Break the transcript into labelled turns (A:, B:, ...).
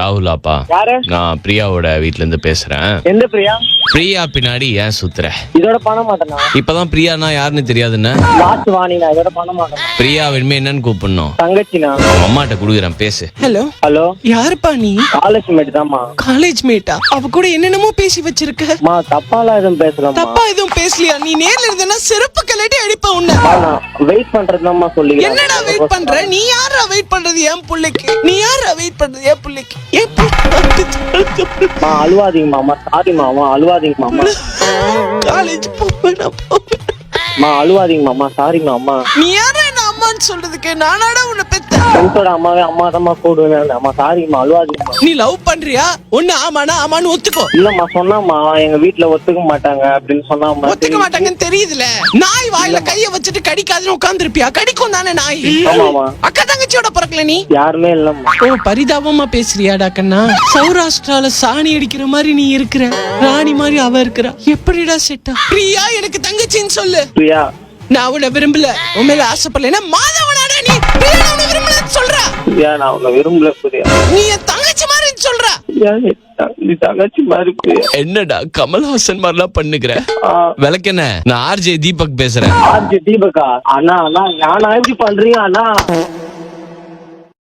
A: ராகுலாப்பா.
B: யாரு?
A: நான் பிரியாவோட வீட்ல இருந்து பேசுறேன்.
B: எந்த பிரியா?
A: பிரியா பின்னாடி ஏன் சுத்துற?
B: இதோட பண்ண மாட்டேனா?
A: இப்பதான் பிரியானா யாருன்னு தெரியாதுன்னு.
B: லாஸ்ட் வாணினா இதோட பண்ண மாட்டேன்.
A: பிரியா இனிமே என்னன்னு கூப்பிடணும்?
B: தங்கச்சினா?
A: அவங்க அம்மாட்ட குடுக்குறேன், பேசு.
C: ஹலோ
B: ஹலோ,
C: யாருப்பா நீ?
B: காலேஜ் மேட் தான்மா.
C: காலேஜ் மேட்டா? அவ கூட என்னென்னமோ பேசி வச்சிருக்க.
B: மா தப்பாலாம் எதுவும் பேசலாமா?
C: தப்பா எதுவும் பேசலையா? நீ நேர்ல இருந்தனா செருப்பு கலட்டி அடிப்ப உன்ன.
B: வெயிட் பண்றதுதாம்மா சொல்லி.
C: என்னடா வெயிட் பண்ற? நீ யாரா வெயிட் பண்றது என் புள்ளைக்கு? நீ யாரா வெயிட் பண்றது என் புள்ளைக்கு?
B: அழுவாதீங்கம்மா. சாரி மாமா, அழுவாதீங்கம்மா.
C: காலேஜ் போவேன்.
B: அழுவாதீங்கம்மா. சாரி மாமா.
C: நீ யாரா என்ன அம்மான்னு சொல்றதுக்கு? நானாடா உன்னை பெத்த?
B: ஃப்ரெண்ட்ஸோட அம்மாவே அம்மா தான் கூடுவேன். அம்மா சாரிம்மா, அழுவாதீங்கம்மா.
C: நீ லவ் பண்றியா? ஒண்ணு ஆமானா ஆமான்னு ஒத்துக்கோ.
B: இல்லம்மா, சொன்னாம்மா எங்க வீட்டுல ஒத்துக்க மாட்டாங்க அப்படின்னு சொன்னாம்மா.
C: ஒத்துக்க மாட்டாங்கன்னு தெரியுதுல. நாய் வாயில கைய வச்சுட்டு கடிக்காதுன்னு உட்கார்ந்துருப்பியா? கடிக்கும் தானே நாய்.
B: ஆமாமா.
C: அக்கா தங்கச்சியோட பிறக்கல நீ?
B: யாருமே இல்லம்மா.
C: ஓ, பரிதாபமா பேசுறியாடா கண்ணா? சௌராஷ்டிரால சாணி அடிக்கிற மாதிரி நீ இருக்கிற, ராணி மாதிரி அவ இருக்கிறா. எப்படிடா செட்டா? பிரியா எனக்கு தங்கச்சின்னு சொல்லு.
B: பிரியா,
C: நான் உன்னை விரும்பல, உன் மேல ஆசைப்படல. மாதவனாடா நீ? பிரியா நான் உன்னை விரும்பலன்னு சொல்ற.
B: பிரியா நான் உன்னை விரும்பல. பிரியா
C: நீ என் தங்கச்சி மாதிரி சொல்ற.
B: பிரியா, நீ தங்கச்சி மாதிரி. பிரியா
A: என்னடா கமல்ஹாசன் மாதிரிலாம் பண்ணுகிற? விளக்கென்ன? நான் ஆர்ஜே தீபக் பேசுறேன்.
B: ஆர்ஜி தீபக்கா? அண்ணா அண்ணா, நான் எப்படி பண்றீங்க அண்ணா?